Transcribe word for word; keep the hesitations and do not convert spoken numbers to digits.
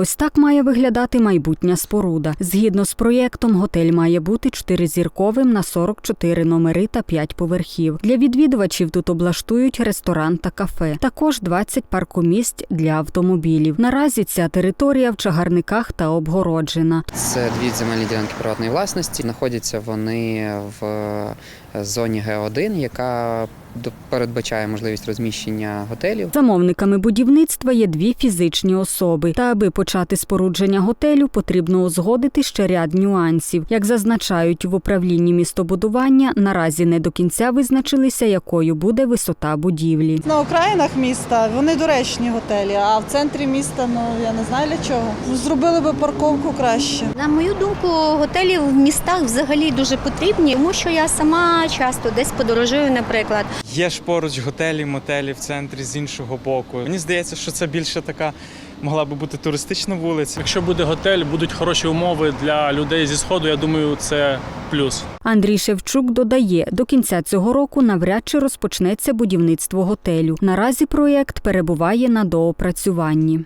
Ось так має виглядати майбутня споруда. Згідно з проєктом, готель має бути чотиризірковим на сорок чотири номери та п'ять поверхів. Для відвідувачів тут облаштують ресторан та кафе. Також двадцять паркомісць для автомобілів. Наразі ця територія в чагарниках та обгороджена. Це дві земельні ділянки приватної власності. Знаходяться вони в зоні Ге один, яка передбачає можливість розміщення готелів. Замовниками будівництва є дві фізичні особи. Та аби почати спорудження готелю, потрібно узгодити ще ряд нюансів. Як зазначають в управлінні містобудування, наразі не до кінця визначилися, якою буде висота будівлі. На окраїнах міста вони доречні готелі, а в центрі міста, ну я не знаю для чого. Зробили би парковку краще. На мою думку, готелі в містах взагалі дуже потрібні, тому що я сама часто десь подорожую, наприклад. Є ж поруч готелі, мотелі в центрі з іншого боку. Мені здається, що це більше така могла би бути туристична вулиця. Якщо буде готель, будуть хороші умови для людей зі Сходу, я думаю, це плюс. Андрій Шевчук додає, до кінця цього року навряд чи розпочнеться будівництво готелю. Наразі проєкт перебуває на доопрацюванні.